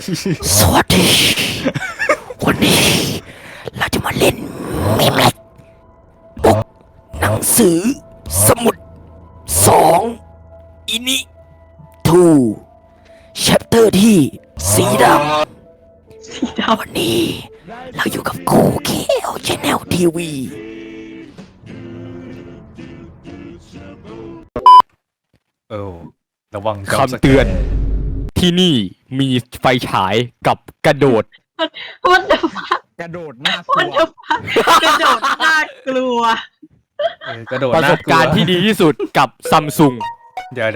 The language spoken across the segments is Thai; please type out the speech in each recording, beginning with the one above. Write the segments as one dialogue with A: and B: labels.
A: สวัสดีวันนี้เราจะมาเล่นเมมเล็กบุกหนังสือสมุด2อินิทูแชปเตอร์ที่สีดำวันนี้เราอยู่กับกูเคโอชแนลทีวี
B: ระวัง
C: คำเตือนที่นี่มีไฟฉายกับกระโดด
D: What the fuck
E: กระโดดน่ากลัว
D: What the fuck กระโดดน่ากลัว
B: กระโดด
C: ประสบการณ์ที่ดีที่สุดกับซัมซุง
B: เดี๋ยว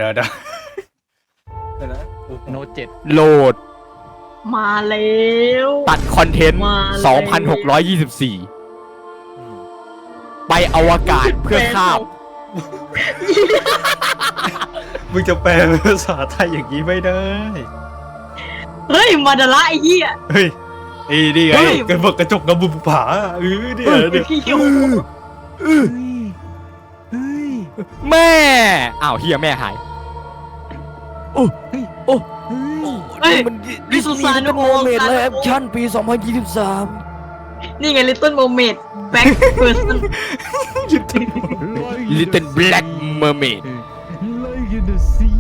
E: โน้ต7
C: โหลด
D: มาแล้ว
C: ตัดคอนเทนต์
D: มาแล้ว
C: 2,624 ไปอวกาศเพื่อข้าม
B: มึงจะแปลเป็นภาษาไทยอย่างนี้ไม่ได้
D: เฮ้ยมาดาละไอ้เหี้ย
B: เฮ้ยนี่ไงกระบอกกระจกกระบุกผาเนี่ย
D: พี่โย
C: แม่อ้าวเฮียแม่หายโอ้โอ้
D: เฮ้ย
A: มัน
D: ดิสุสาน
A: เป็นโมเมนต์ไลฟ์แอคชั่นปี 2023
D: นี่ไง Little Mermaid Back Person
C: Little Black Mermaid
E: Like in the sea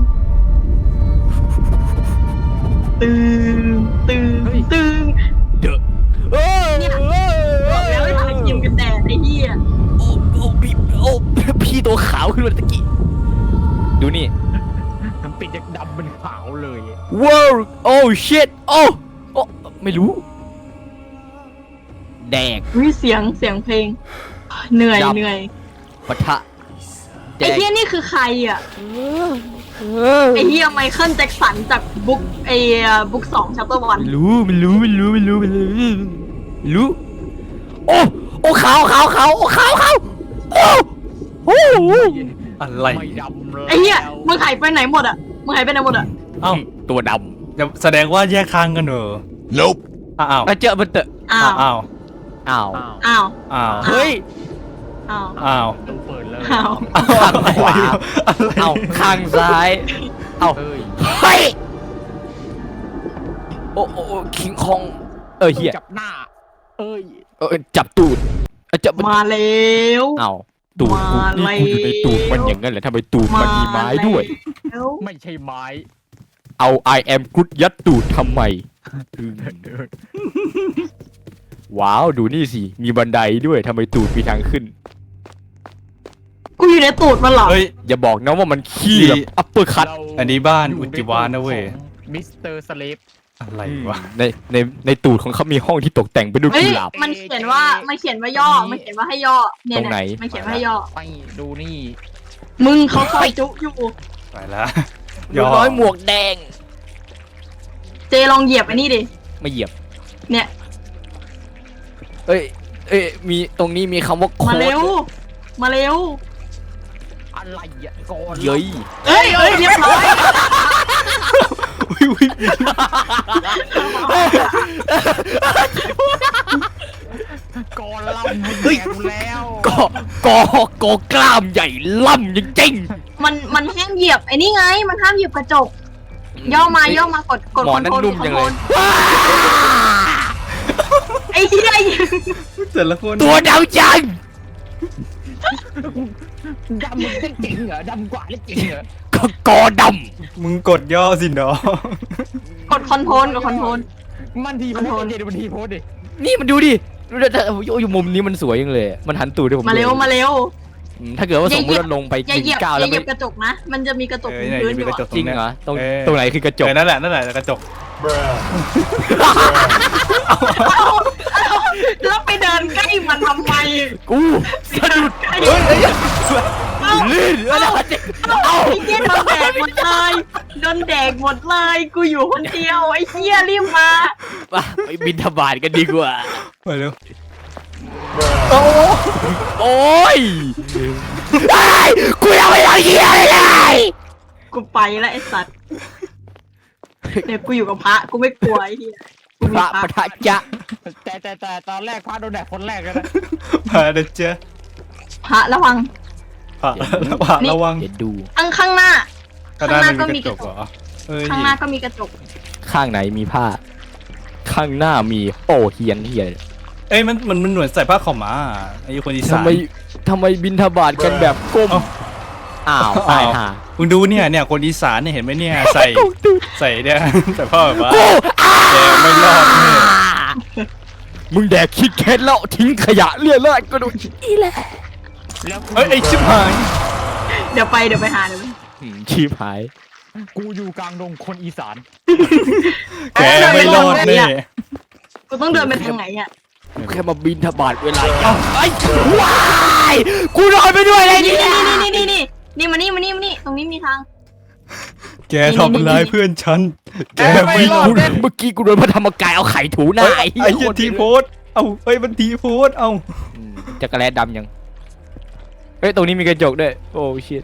D: ตึง
C: เดอะเนี่ย
D: บอกแล้วให้ทาครีมกันแดดไอ้เหี้ย
A: โอ้พี่ตัวขาวขึ้นมาตะกี้ดูนี่
E: มันปิดจากดำเป็นขาวเลย
A: World oh shit โอ้ไม่รู้แดก
D: วิเสียงเพลง เหนื่อย
A: ดับ
D: เหนื่อย
A: ปะทะแด
D: ไอ้
A: ก
D: เหี้ยนี่คือใครอ่ะไอ้เหี้ยไมเคิลแจ็คสันจากบุ๊กบุ๊ก2 chapter 1
A: ไม่รู้โอ้ขาวโอ้โห
B: อะไร
E: ไม่ดำเลย
D: ไอ้เหี้ยมึงหายไปไหนหมดอ่ะ
B: เอ้า
C: ตัวด
B: จะแสดงว่าแยกทางกันเหรอ
A: Nope
B: อ้าว
A: มาเจอมันเตอะ
D: อ้าว
B: อ้าว
C: อ้าว
D: อ้าว
B: อ้าว
A: เฮ้ย
D: อ้าว
B: อ้าว
E: ดูเปิดเลย
D: อ้าว
A: ข้างขวาเอาข้างซ้ายเอา
E: เอ้ย
A: เฮ้ยโอ้คิงคองเฮีย
E: จับหน้าเอ้ย
A: จับตูดจับ
D: มาแล้ว
C: เอาตูดกูนี่กูอยู่ในตูดมันอย่างนั้นเหรอทำไมตูดมันมีไม้ด้วย
D: แล้ว
E: ไม่ใช่ไม้
C: เอา I am good ยัดตูดทำไม ว้าวดูนี่สิมีบันไดด้วยทำไมตูดมีทางขึ้น
D: กูอยู่ในตูดมันเหรอ
B: เฮ้ย
C: อย่าบอกนะว่ามันขี้แบบอัปเปอร์คัต
B: อันนี้บ้านอุจิวานะเว้ย
E: มิสเตอร์สเลฟ
B: อะไรวะ
C: ในตูดของเขามีห้องที่ตกแต่งไปด้วย
D: เฮ้ย
C: กุหลาบ
D: มันเขียนว่าย่อมันเขียนว่าให้ย่อเนี่ย
C: ตรงไหน
D: มันเขียนว่าให้ย่อ
E: ไปดูนี่
D: มึงเขาคอยจุอยู่
B: ไปละ
A: น้อยหมวกแดง
D: เจลองเหยียบไอ้นี่ดิ
C: ไม่เหยียบ
D: เนี่ย
A: เอ้ยมีตรงนี้มีคำว่าโค้
D: มา
A: ด
D: เร็ว
E: อะไรอ่ะก่อน
A: เย้ย
D: เอ้ยเรียบร้อย
E: ก่อนเรามึงแกกูแล้ว
A: ก็กล้ามใหญ่ล่ำจริง
D: มันห้ามเหยียบไอ้นี่ไง มันห้ามเหยียบกระจก ย่อมากด
C: หมอนั่นนุ่มจังเลย
D: ไอ้ที่ได้
B: แต่ละคน
A: ๆตัวดำจัง
E: ดำมึงจริงเหรอดำกว่าเล็กจริงเหรอ
A: กอด
B: มึงกดย่อสิเนาะ
D: กดคอนโทรล
E: มันทีโพสเย็นมันทีโพสดิ
A: ำนี่มันดูดิอยู่มุมนี้มันสวยยังเลยมันหันตูดให้ผม
D: มาเร็ว
A: ถ้าเกิดว่าสมมติเราลงไป
D: อย่าเหยียบ
A: ก้าว
D: อ
A: แล้ว
D: ย่าเหยียบกระจกนะ มันจะมีกระจก
B: เนี่ย
D: พื้น
B: มี
D: อยู่
B: กระจก
C: จริงเหรอตรงไหนคือกระจก
B: นั่นแหละกระจก
D: แล้วไปเดินใกล้มันทำไม
A: กูสะดุด
D: ไอ้
A: ลื่นอะไร
D: เหี้ยโดนแดกหมดเลยกูอยู่คนเดียวไอ้เหี้ยรีบมา
A: ไปบินทบาทกันดีกว่า
B: ไปเร็ว
A: โอ้ยกูยังไม่ได้เหี้ยอะไรเลย
D: กูไปแล้วไอ้สัตว์เนี่ยกูอยู่กับพระกูไม่กลัวไอ้เหี้ยกู
A: พ
D: มี
A: ระประทับจะ
E: แต่ตอนแรกพาโดนแดกคนแรกเลยนะ
B: มาเด้อเจ้า
D: พระระวัง
B: ระวัง
A: เดี๋ยวดู
D: ข้างหน้า
B: ข้างหน้ามีกระจกเหรอ
D: ข้างหน้าก็มีกระจก
A: ข
C: ข้างไหนมีผ้า ข้างหน้ามีโอ้เฮียน
B: เอ้ยมันเหมือนใส่ผ้าขาวม้าไอ้คนอีสาน
C: ทำไมบินทบาทกันแบบก้มอ้าวตายห่า
B: มึงดูเนี่ยคนอีสานเนี่ยเห็นไหมเนี่ยใส่เนี่ยใส่ผ้าแบบว่าแกไม่รอดเนี่ย
C: มึงแดกคิดแค่แล้วทิ้งขยะเลี่ยราดก็ดูอีแหละ
E: แล้วกู
B: เอ้ยไอ้ชิบหาย
D: เดี๋ยวไปหาเดี๋ยวไป
C: ชีพหาย
E: กูอยู่กลางดงคนอีสาน
B: แกไม่รอดแน่
D: กูต้องเดินไปทางไหนอ่ะ
C: แค่มาบินทบาทเวลาไอ้ว้ายกูนอนไปด้วยเลย
D: นี่
C: เนี่ย
D: นี่มานี่ตรงนี้มีทาง
B: แกทำร้ายเพื่อนฉันแกไม่รอด
C: เมื่อกี้กูโดนพระธรรมกายเอาไข่ถูหน้าไอ้
B: ไอ้เหี้ยทีโพสเอาเฮ้ยมันทีโพสเอา
C: จักรแลดำยังเฮ้ยตรงนี้มีกระจกด้วยโอ้ชิต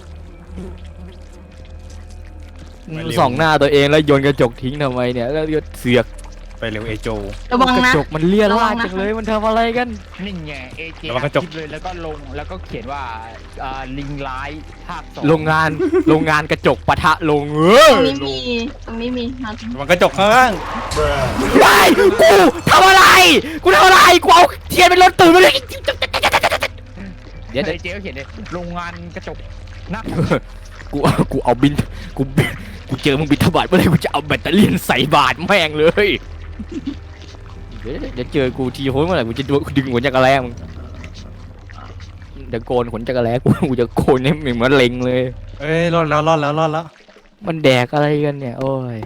C: ส่องหน้าตัวเองแล้วโยนกระจกทิ้งทำไมเนี่ยแล้วเสือก
B: ไปเร็วเอโจ
D: ระวัง
C: กระ
D: นะ
C: จกมันเลี่ย
D: ระวั
C: ราด
D: งนะ
C: จังเลยมันทำอะไรกัน
E: นี่ไงเอเจ
B: แล้วมันกระจก
E: คลิปเลยแล้วก็ลงแล้วก็เขียนว่าลิงร้ายภาค2
C: โรงงานกระจกปะทะลง
D: ตรงนี้มีมา
B: มันกระจกข้าง
C: ไม่กูทำอะไรกูเอาเทียนเป็นรถตื่นมาเลยเดี๋ยว
E: เอเจก็เขียนเลยโรงงานกระจกนัก
C: กูเอาบินกูเจอมึงบินทบาทเมื่อไหร่กูจะเอาแบตเตอรี่ใส่บาทแม่งเลยเดี๋ยวเจอกูทีโหเมื่อไหร่กูจะดึงขนจักรแลมึงเดี๋ยวโกนขนจักรแลกูจะโกนให้เหมือนเล็งเลย
B: เอ้ยรอดแล้ว
C: มันแดกอะไรกันเนี่ยโอ้ย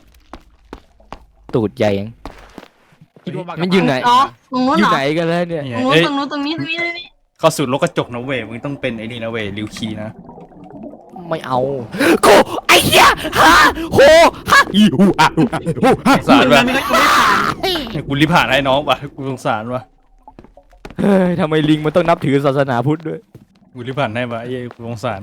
C: ตูดใหญ่ยัง
E: คิดว่า
C: มันอยู่ไหน
D: อ๋อตรงนู้น
C: อ
D: เหร
C: ยู่
D: อ
C: ไหนกันแล้วเนี่ย
B: เนี่ยเอ้ย
D: ตรงนี้
B: เข้าสู่โลกกระจกนะเว้ยมึงต้องเป็นไอ้นี่นะเว้ยริวคีนะ
C: ไม่เอากูไอ้เหี้ยฮะโหฮะอีหูอ่ะหูฮะ
B: สงสารว่ะ
D: ไม่ผ่าน
B: กูรีบผ่านให้น้องว่ะกูสงสารว่ะ
C: เฮ้ยทำไมลิงมันต้องนับถือศาสนาพุทธด้วย
B: กูรีบผ่านให้ว่ะไอ้กูสงสาร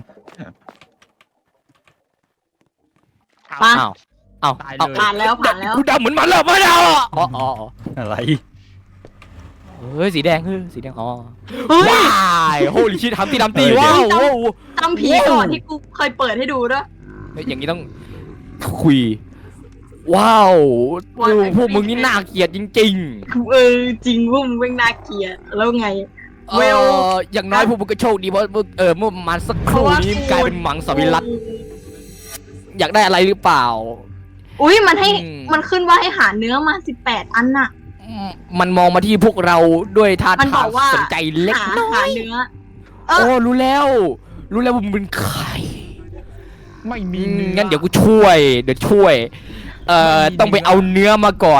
D: มา
C: อ้าวอ้าว
E: ตาย
C: อ้าว
E: เลย
D: ผ่านแล้ว
C: กูดำเหมือนมันเลยไม่ได้อ่ะอ๋อ
B: อะไร
C: เฮ้ยสีแดงสีแดงอ๋อ
D: เฮ้ย
C: ว้ายโหลิชิทำตีว้าวโอ้โห
D: จำผีก่อนที่กูเคยเปิดให้ดูด้วย
C: เฮ้ยอย่างนี้ต้องคุยว้าวพวกมึงนี่น่าเกลียดจริง
D: จริงว่ามึงเป็นน่าเกลียดแล้วไง
C: ๆอย่างน้อยพวกมึงก็โชคดีเพราะเมื่อประมาณสักครู่นี้กลายเป็นมังสวิรัตอยากได้อะไรหรือเปล่า
D: อุ้ยมันให้
C: อืม
D: มันขึ้นว่าให้หาเนื้อมา18 อันน่ะ
C: มันมองมาที่พวกเราด้วยท่า
D: มันบ
C: ทา
D: อง กว่า
C: สนใจเล็กน้อ
D: หาย เนื้อ เออ
C: โอ้รู้แล้วว่ามึงเป็นใคร
E: ไม่มีเนื้อ
C: งั้นเดี๋ยวช่วยต้องไปเอาเนื้อมาก่อน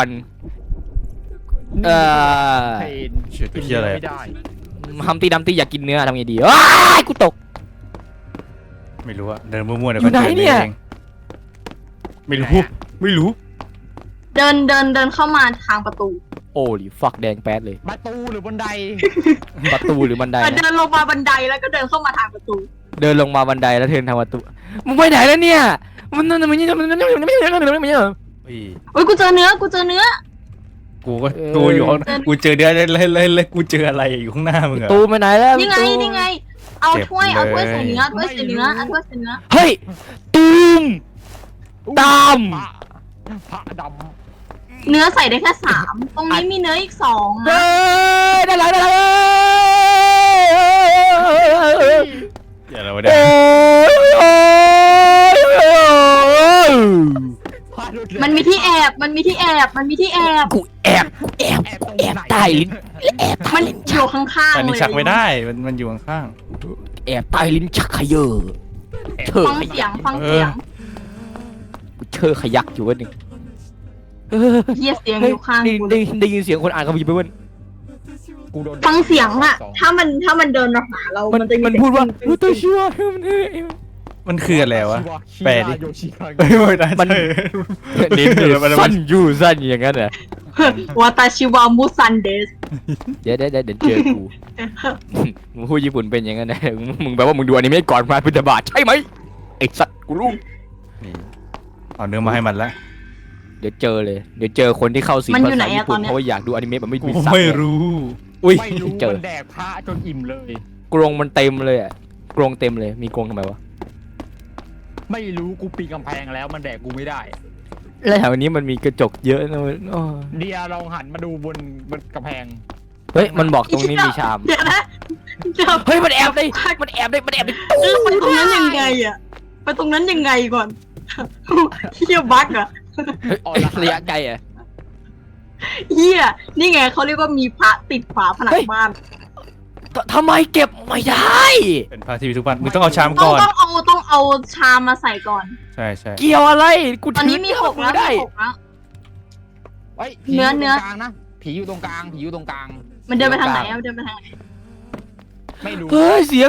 E: เพน
B: เชี่ยตัวเหี้ยอะไร
E: ไม่ได้
C: ฮัมตี้อยากกินเนื้อทำไงดีอ้ายกูตก
B: ไม่รู้อะเดินมั่วๆเดี๋ยว
C: อยู่ไหนเนี่ย
B: องไม่รู้
D: เดินเข้ามาทางประตู
C: โอ้ลิฟักแดงแป๊ดเลย
E: ประตูหรือบันได
C: ประตูหรือบันได
D: เดินลงมาบันไดแล้วก็เดินเข้ามาทางประตู
C: เดินลงมาบันไดแล้วเทินทางประตูมึงไปไหนแล้วเนี่ยมัน
B: เฮ้ย
D: อุ้ยกูเจอเนื้อ
B: กูก็กูอยู่ข้างกูเจอเดือดเลยกูเจออะไรอยู่ข้างหน้ามึงอะ
C: ตูไปไหนแล้ว
D: นี่ไง เอาถ้วย
B: เจ็บเลย
D: ใส่เนื้อเอาถ้วยใส่เนื้อ
C: เฮ้ยตูมตาม
E: พระด
D: เนื้อใส่ได้แค่3ตรงนี้มีเนื้ออีก2
C: เฮ้
D: นะ
C: ยได้แล้ว
B: อย่าเราได้
C: โอ้ย
E: ำพระรถ
D: มันมีที่แอบ
C: กูแอบใต้ลิ้นแอบ
D: มันอยู่ข้างๆ
B: อัน
D: เล
B: นี้
D: ย
B: ชักไม่ได้มันอยู่ข้าง
C: แอบใต้ลิ้นชักขยเยอเธอ
D: ฟังเสียง
C: เธอขยักอยู่วะนี่
D: เฮียเสียงอยู่ข้างกูเลย
C: ได้ยินเสียงคนอ่านคำพีไปเว้ย
E: กูโดน
D: ฟังเสียงอะถ้ามันเดินมาหาเรา มันจะ
C: มันพูดว่า
D: ตึ้ง
C: ตัวชัว
B: ๆมันคืออะไรวะ แปลดิ
E: โยชิคา
B: ไม่ได้
C: มันเน้นสั้นอยู่สั้นอย่างนั้นเหรอ
D: วาตาชิวามุซันเดส
C: เดี๋ยวเจอกูมึงพูดญี่ปุ่นเป็นอย่างนั้นนะมึงแปลว่ามึงดูอนิเมะก่อนมาพิธบาตใช่ไหมไอ้สัตว์กูรู้
B: เอาเนื้อมาให้มันละ
C: เดี๋ยวเจอคนที่เข้าสิงภาษาญี่ปุ่นเพราะว่าอยากดูอนิเมะแบบไม่
B: กู
C: มีสับ
B: ไม่รู้อุ้ย
E: ไม่รู้
C: เจอ
E: มันแดกพระจนอิ่มเลย
C: กรงมันเต็มเลยอ่ะกรงเต็มเลยมีกรงทำไมวะ
E: ไม่รู้กูปีนกำแพงแล้วมันแดกกูไม่ได้
C: แล้วแถวนี้มันมีกระจกเยอะนะเว้ยอ้อ
E: เดียลองหันมาดูบนกระแพง
C: เฮ้ยมันบอกตรงนี้มีชาม
D: เดี๋ยวนะเดี๋ยว
C: เฮ้ยมันแอบได้มันแอบได้ตู้
D: ไปตรงนั้นยังไงอ่ะไปตรงนั้นยังไงก่อนเฮียบั๊กอ่ะ
C: เฮ้ยระยะไกลอ่ะ
D: เฮียนี่ไงเขาเรียกว่ามีพระติดฝาผนังบ้าน
C: ทำไมเก็บไม่ได้
B: เป็นพระที่มีทุกวันมึงต้องเอาชาม
D: ต้อ
B: ก่อน
D: ต้องเอาชามมาใส่ก่อน
B: ใช่ใช่
C: เกี่ยวอะไรกู
D: ตอนนี้มี6แล้ว
C: ได้
D: มี6แล้ว
E: เฮ้ย
D: เนื้อ
E: ผียู่ตรงกลางนะผีอยู่ตรงกลางผีอยู่ตรงกลาง
D: มันเดินไปทางไหนอะมันเดินไปทางไหน
E: ไม่รู้
C: เฮ้ยเสียง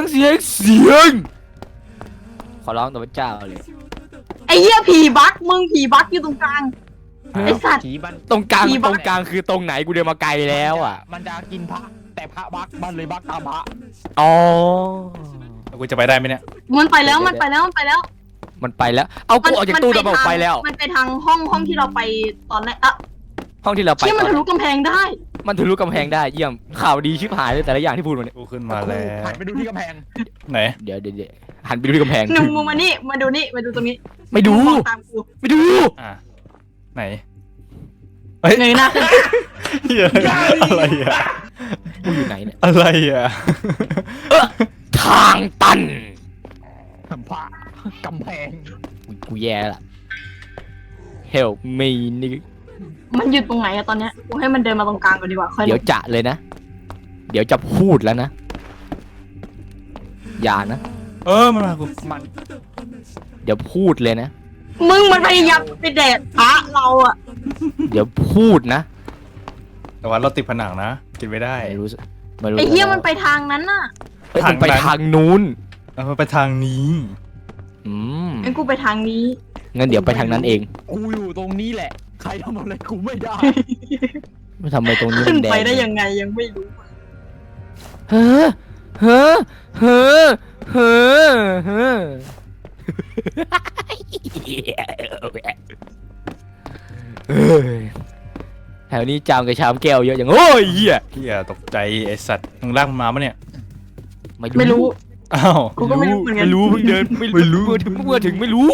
C: ขอร้องตัวพระเจ้าเลย
D: ไอ้เหี้ยผีบั๊กมึงผีบั๊กอยู่ตรงกลางไอ้สัตว์
E: ผีมัน
C: ตรงกลาง
D: ผีบั๊ก
C: คือตรงไหนกูเดินมาไกลแล้วอ่ะ
E: มันจะกินพระแต่พระบักมันเลยบักตามพระ
C: อ๋อ
B: กูจะไปได้ไหมเนี่ย
D: มันไปแล้วมันไปแล้วมันไปแล้ว
C: มันไปแล้วเอากูออกจากตู้ระเบิดไปแล้ว
D: มันไปทางห้องที่เราไปตอนแรกอะ
C: ห้องที่เราไป
D: ที่มันทะลุกำแพงได้
C: มันทะลุกำแพงได้เยี่ยมข่าวดีชิบหายเลยแต่ละอย่างที่พูดมาเนี่ย
B: กูขึ้นมาแล้ว
E: หันไปดูที่กำแพง
B: ไหน
C: เดี๋ยวหันไปดูที่กำแพง
D: หนุ่มมึงมานี่มาดูนี่มาดูตรงนี้
C: ไม่ดู
D: มองตามกู
C: ไม่ดู
B: อ่ะไหนเฮ้ย
D: เงยหน้าขึ้น
B: เหี้ยอะไรอ่ะ
C: กูอยู่ไหนเนี่ย
B: อะไรอ่ะ
C: ทางตัน
E: พระกำแพง
C: กูแย่แล้วล่ะ Help me นี่
D: มันอยู่ตรงไหนอะตอนเนี้ยกูให้มันเดินมาตรงกลางก่อนดีกว่าค่อย
C: เดี๋ยวจะเลยนะ เดี๋ยวจะพูดแล้วนะ อย่านะ
B: มันมากู
E: มัน
C: เดี๋ยวพูดเลยนะ
D: มึงมันพยายามไปแดดพระเราอะ
C: เดี๋ยวพูดนะ
B: แต่ว่าเราติดผนังนะกินไม่ได้
C: ไม่รู้สึกไม่รู้
D: ไอ้เหี้ยมันไปทางนั้นน่ะ
C: เฮ้ยมันไปทางนู้น
B: มันไปทางนี้
C: อืม
D: งั้นกูไปทางนี้
C: งั้นเดี๋ยวไปทางนั้นเอง
E: กูอยู่ตรงนี้แหละ ใครทำอะไรกูไม่ได้
C: ไม่ทำไมตรงนี้
D: ขึ้
C: มัน นแดง
D: ไปได้ยังไงยังไม่รู้
C: เฮ้อเฮ้อเฮ้อเฮ้อเฮ้อเฮ้ยแถวนี้จามกับชามแก้วเยอะอย่างโอ้ยเหี้ย
B: เหี้ยตกใจไอสัตว์มึงลากมันมาปะเนี่ย
D: ไม่รู้
B: อ้าว
D: กูก็ไม่รู้เหมือนกัน
C: ไม่รู้เพิ่งเดินไม่รู้เมื่อถึงไม่รู้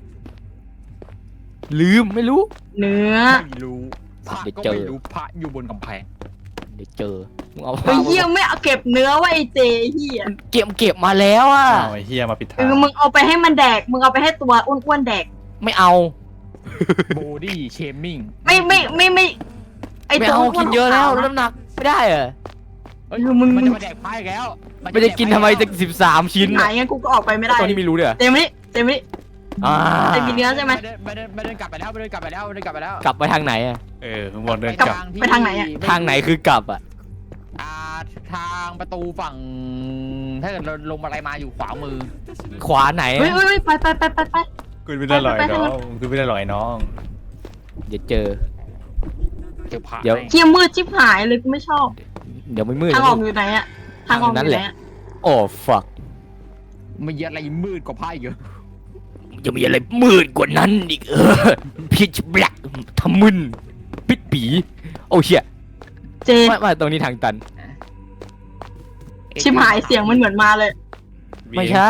C: ลืมไม่รู้
D: เนื้อ
E: ไม่รู้พระ
C: เดี๋ยว
E: ก็
C: เจอ
E: ไม่รู้พระอยู่บนกำแพง
C: เดี๋ยวเจอมึงเอา
D: ไอ้เหี้ยไม่เอาเก็บเนื้อไว้ไอ้เจเหี้ย
C: เก็บมาแล้วอ่ะ
B: อ้าวไอเหี้ยมาปิดทาง
D: มึงเอาไปให้มันแดกมึงเอาไปให้ตัวอ้วนๆแดก
C: ไม่เอา
E: บอดี้เชมิ่ง
D: ไม่ไอ้
C: ไม่
D: ตัว
C: เอา
D: อ้วนๆ
C: กินเยอะแล้ว
D: ขาวๆ
C: น้ำหนักไม่ได้เหรอ
D: มึง
E: มันจะมาแดกพระอีกแล้ว
C: ไม่ได้กินทำไมจะ13 ชิ้น
D: ไหน
C: น่ะ
D: งั้นกูก็ออกไปไม่ได้
C: ตอนนี้ไม่รู้เลยเหรอ
D: เจมนี่
C: อ่า
D: จะมีเนื้อใช่ไหม
E: ไม่ได้กลับไปแล้วไม่ได้กลับไปแล้วไม่ได้กลับไปแล้ว
C: กลับไปทางไหนอ่ะ
B: มึงบอกเดิน
D: กลั
B: ก
D: บ
B: ลับ
D: ไปทางไหนอะ
C: ทางไหนคือกลับอ่ะ
E: ทางประตูฝั่ง ถ้าเกิดเราลงอะไรมาอยู่ขวามือ
C: ขวาไหน
D: เฮ้ย
C: อะ
D: ไป
B: กูไม่ได้หรอย
D: ไป
B: น้
D: ๆ
B: องกูไม่ได้หรอยน้อง
C: เดี๋ยวเจอ
E: เจอพระ
C: เดี๋ยว
D: เที่ยมืดชิบหายเลยกูไม่ชอบ
C: เดี๋ยวไม่มืด
D: ทางออกอยู่ไหนอะทางออกอยู่ไหนอะ
C: โอ้ fuck
E: ไม่มีอะไรมืดกว่าพระอีกเหรอ
C: จะมีอะไรมืดกว่านั้นอีกพิชแบล็กทะมึนปิดปีโอ้เชี่ย
D: เจ
C: ไม่ตรงนี้ทางตัน
D: ชิบหายเสียงมันเหมือนมาเลย
C: ไม่ใช่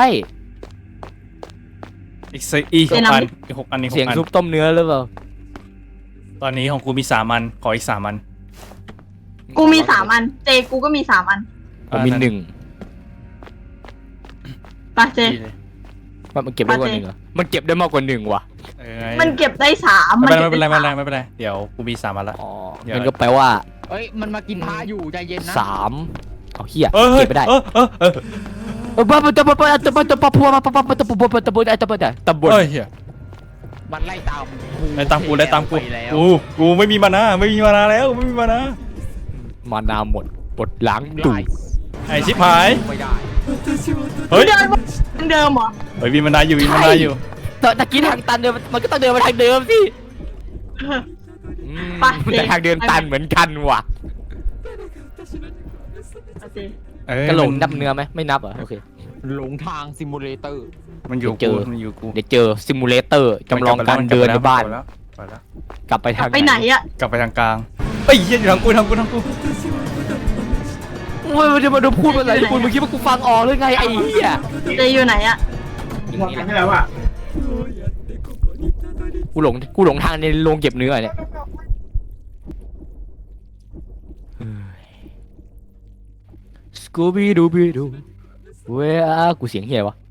B: อีก
D: เจนำดิ
B: อีก6 อันอีก
C: เสียง
B: 6 อัน
C: ซุปต้มเนื้อหรือเปล่า
B: ตอนนี้ของกูมี3 อันขออีก3 อัน
D: กูมี3 อันเจกูก็มี3 อัน
C: ผมมี
B: อ่า
C: 1
D: ไปเจ
C: มันเก็บได้กว่า1เหรอมันเก็บได้มากกว่า1ว่ะ
D: มันเก็บได้3
B: ไม่เป็นไรไม่เป็นไรเดี๋ยวกูมี3 อันละ
C: อ๋อ
B: เดี๋ยว
C: งั้นก็แปลว่า
E: เอ้ยมันมากินพระอยู่ใจเย็นนะ
C: 3เอาเฮีย
B: เฮ้ย
C: เก็บไม่ได้ตะบน
B: เฮ้ยเฮีย
E: มันไล่ตาม
B: ไล่ตามกู
E: ไปแล้ว
B: กูไม่มีมานะไม่มีมานะแล้วไม่มีมานะ
C: มานาหมดปลดล้างตูด
B: ไอชิบหาย
E: ไม่ได้
B: เฮ้ย
D: เดินมาทางเดิมเหรอ
B: เฮ้ยมีมานาอยู่มีมานาอยู่
C: ตะกี้ทางตันเดิมมันก็ต้องเดินมาทางเดิมสิแต่ทางเดินตันเหมือนกันว่ะ
D: เจ
C: กระโหลกนับเนื้อไหมไม่นับเหรอโอเค
E: หลงทางซิมูเลเตอร์
B: มันอยู่
C: เจ
B: กู
C: อ
B: มันอยู่กู
C: เดี๋ยวเจอซิมูเลเตอร์จำลองการเดินในบ้าน
B: ไปแล้ว
C: กลับไปทาง
D: ไปไหนอะ
B: กลับไปทางกลางเฮ้ยเฮียอยู่ทางกูทางกู
C: โอ้ยมันจะมาดูพูดอะไรญี่ปุ่นมึงคิดว่ากูฟังออกหรือไงไอ้เหี้ย
D: เจอยู่ไหนอะ
C: อย่างนี้แหละกูหลงทางในโรงเก็บเนื้อเนี่ยสกูบี้ดูบี้ดูเว้ยกูเสียงเฮียวะ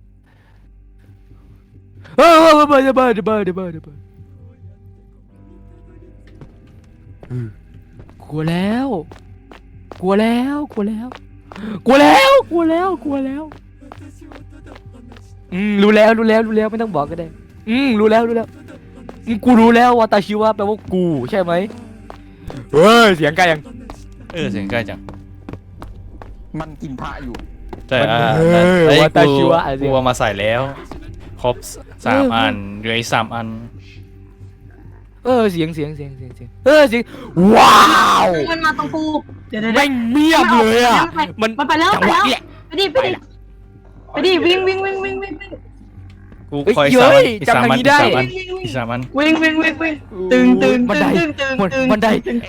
C: บ้ากลัวแล้วรู้แล้วไม่ต้องบอกก็ได้รู้แล้วกูรู้แล้ววาตาชิวะแปลว่ากูใช่ไหมเฮ้ยเสียงไกลยัง
B: เสียงใกล้จัง
E: มันกินพระอยู่
B: ใช่
C: วาตาชิวะอะไร
B: กูเอามาใส่แล้วครบ3 อันเหลืออีก3 อัน
C: เสียงว้าว
D: มันมาตรงกูเดี๋ยว
C: แม่งเงียบเลยอ่ะมัน
D: ไปแล้ว
C: จังหวะนี้แหละ
D: ไปดิวิ่ง
B: กูคอยอีก3 อันอีก 3 อัน
D: วิ่งตึง
C: บันได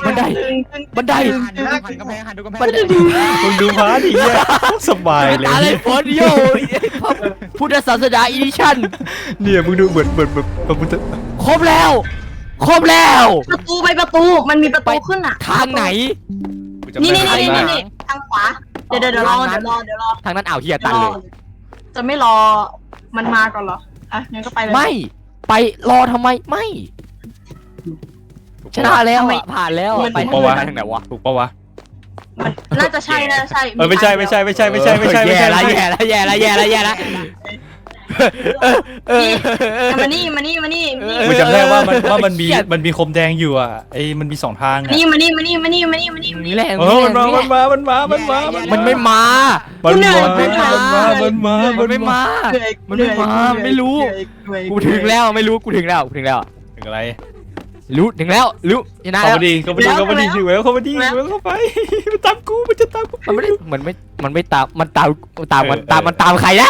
E: หันกำแพงหันดูกำแพง
B: มึงดูพาร์ทดิเหี้ยสบายเลย
C: อะไรโฟนโยพุทธศาสนาอีดิชั่น
B: เนี่ยมึงดูเหมือนพระพุทธ
C: ครบแล้ว
D: ประตูมันมีประตูขึ้นอ่ะ
C: ทางไหน
B: กูจำได้
D: นี่
B: ไม่ได้
D: ทางขวาเดี๋ยวรอ
C: ทางนั้นเฮียตันเลย
D: จะไม่รอมันมาก่อนเหรออ่ะงั้นก็ไปเลย
C: ไม่ไปรอทำไมไม่ชนะแล้วผ่านแล้วไปทางไหนวะ
B: ถูกปะวะ
D: มันน่าจะใช่
B: ไม่ใช่
C: แย่ละ
D: มานี่
B: กูจำได้ว่ามันมีคมแดงอยู่อ่ะไอ้มันมี2 ทางอ่ะ
D: นี่มานี่
C: มีแรง
B: มันไม่มา
C: ไม่รู้กูถึงแล้วถึงแล้ว
B: ถึงอะไร
C: ถึงแล้วชนะ
B: เข้า
C: แล้ว
B: มาดีถึงแล้วเข้าไปมันตามกูมันจะตามกู
C: มันไม่ตามมันตามใครนะ